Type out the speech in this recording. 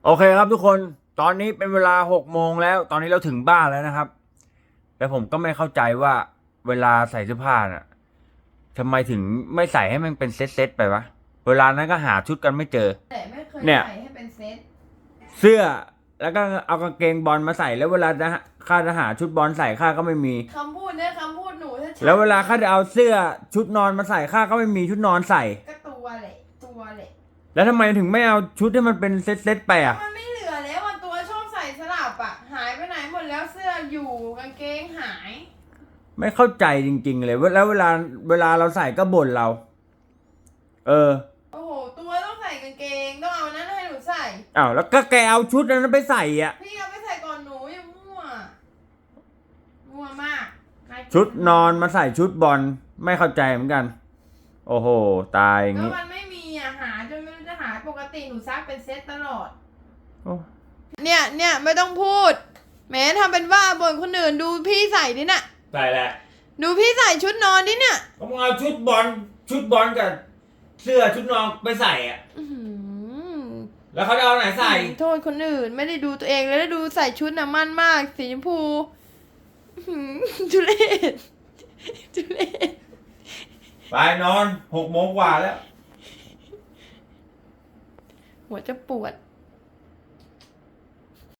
โอเคครับทุกคนตอนนี้เป็นเวลา6 โมงแล้วตอนนี้เราถึงบ้านแล้วนะครับแต่ผมก็ไม่เข้าใจว่าเวลาใส่เสื้อผ้าน่ะทำไมถึงไม่ใส่ให้มันเป็นเซตไปวะเวลานั้นก็หาชุดกันไม่เจอแต่ไม่เคยเนี่ยใส่ให้เป็นเซตเสื้อแล้วก็เอากางเกงบอลมาใส่แล้วเวลาจะข้าจะหาชุดบอลใส่ข้าก็ไม่มีคำพูดเนี่ยคำพูดหนูถ้าแล้วเวลาข้าจะเอาเสื้อชุดนอนมาใส่ข้าก็ไม่มีชุดนอนใส่ก็ตัวแหละตัวแหละแล้วทำไมถึงไม่เอาชุดที่มันเป็นเซตไปอ่ะมันไม่เหลือแล้วอ่ะตัวชอบใส่สลับอ่ะหายไปไหนหมดแล้วเสื้ออยู่กางเกงหายไม่เข้าใจจริงๆเลยแล้วเวลาเราใส่ก็บ่นเรา เออโอ้โหตัวต้องใส่กางเกงต้องเอานั้นให้หนูใส่อ้าวแล้วก็แกเอาชุดนั้นไปใส่อ่ะพี่เอาไปใส่ก่อนหนูอย่ามั่วมั่วมากากิชุดนอนมาใส่ชุดบอลไม่เข้าใจเหมือนกัน โอ้โห ตายอย่างก็นี้มันไม่มีอ่ะหาจนไม่รู้จะหาปกติหนูซักเป็นเซตตลอดโอ้เนี่ยไม่ต้องพูดแหม้ทำเป็นว่าบ่นคนอื่นดูพี่ใส่ดิน่ะใส่แหละดูพี่ใส่ชุดนอนดิเนี่ยก็มึงเอาชุดบอลกับเสื้อชุดนอนไปใส่อ่ะอื้อหือแล้วเขาจะเอาไหนใส่โทษคนอื่นไม่ได้ดูตัวเองเลยแล้วดูใส่ชุดน่ะมั่นมากสีชมพูอื้อหือทุเรศทุเรศไปนอน6 โมงกว่าแล้วหัวจะปวด